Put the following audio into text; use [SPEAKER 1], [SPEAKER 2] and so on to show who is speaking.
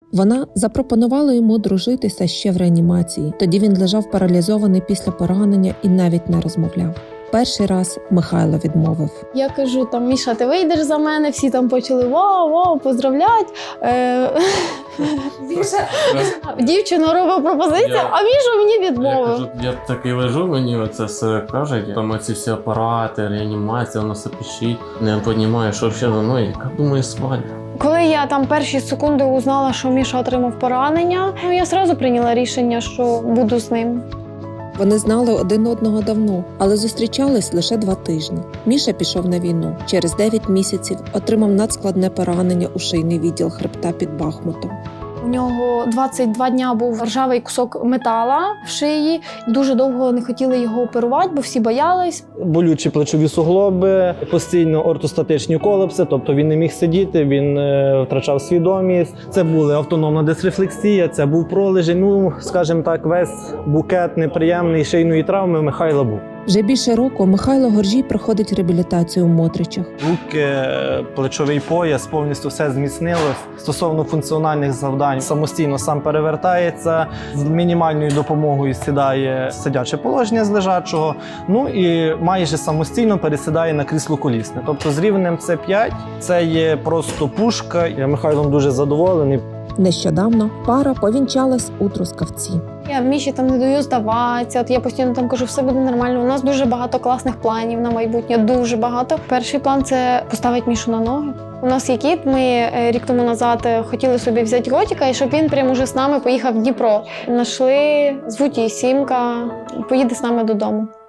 [SPEAKER 1] Вона запропонувала йому дружитися ще в реанімації. Тоді він лежав паралізований після поранення і навіть не розмовляв. Перший раз Михайло відмовив.
[SPEAKER 2] Я кажу, там, Міша, ти вийдеш за мене? Всі там почали вау, поздравлять. Дівчина робить пропозицію, а Міша мені відмовив.
[SPEAKER 3] Я такий лежу, мені оце все кажуть, там оці всі апарати, реанімація, воно все пищить. Не розумію, що взагалі за мною, яка думаю, свадьба.
[SPEAKER 2] Коли я там перші секунди узнала, що Міша отримав поранення, я одразу прийняла рішення, що буду з ним.
[SPEAKER 1] Вони знали один одного давно, але зустрічались лише 2 тижні. Міша пішов на війну. Через 9 місяців отримав надскладне поранення у шийний відділ хребта під Бахмутом.
[SPEAKER 2] У нього 22 дня був ржавий кусок метала в шиї. Дуже довго не хотіли його оперувати, бо всі боялись.
[SPEAKER 4] Болючі плечові суглоби, постійно ортостатичні колапси, тобто він не міг сидіти, він втрачав свідомість. Це була автономна дисрефлексія, це був пролежень, скажімо так, весь букет неприємний шийної травми у Михайла був.
[SPEAKER 1] Вже більше року Михайло Горжій проходить реабілітацію у Мотричах.
[SPEAKER 4] Руки, плечовий пояс, повністю все зміцнилось. Стосовно функціональних завдань, самостійно сам перевертається, з мінімальною допомогою сідає в сидяче положення з лежачого, і майже самостійно пересідає на крісло колісне. Тобто з рівнем С5 це є просто пушка. Я Михайлом дуже задоволений.
[SPEAKER 1] Нещодавно пара повінчалась у Трускавці.
[SPEAKER 2] Я Міші там не даю здаватися. Я постійно там кажу, все буде нормально. У нас дуже багато класних планів на майбутнє, дуже багато. Перший план – це поставити Мішу на ноги. У нас є кіт, ми рік тому назад хотіли собі взяти котика, і щоб він прямо уже з нами поїхав в Дніпро. Нашли, звуть її Сімка, поїде з нами додому.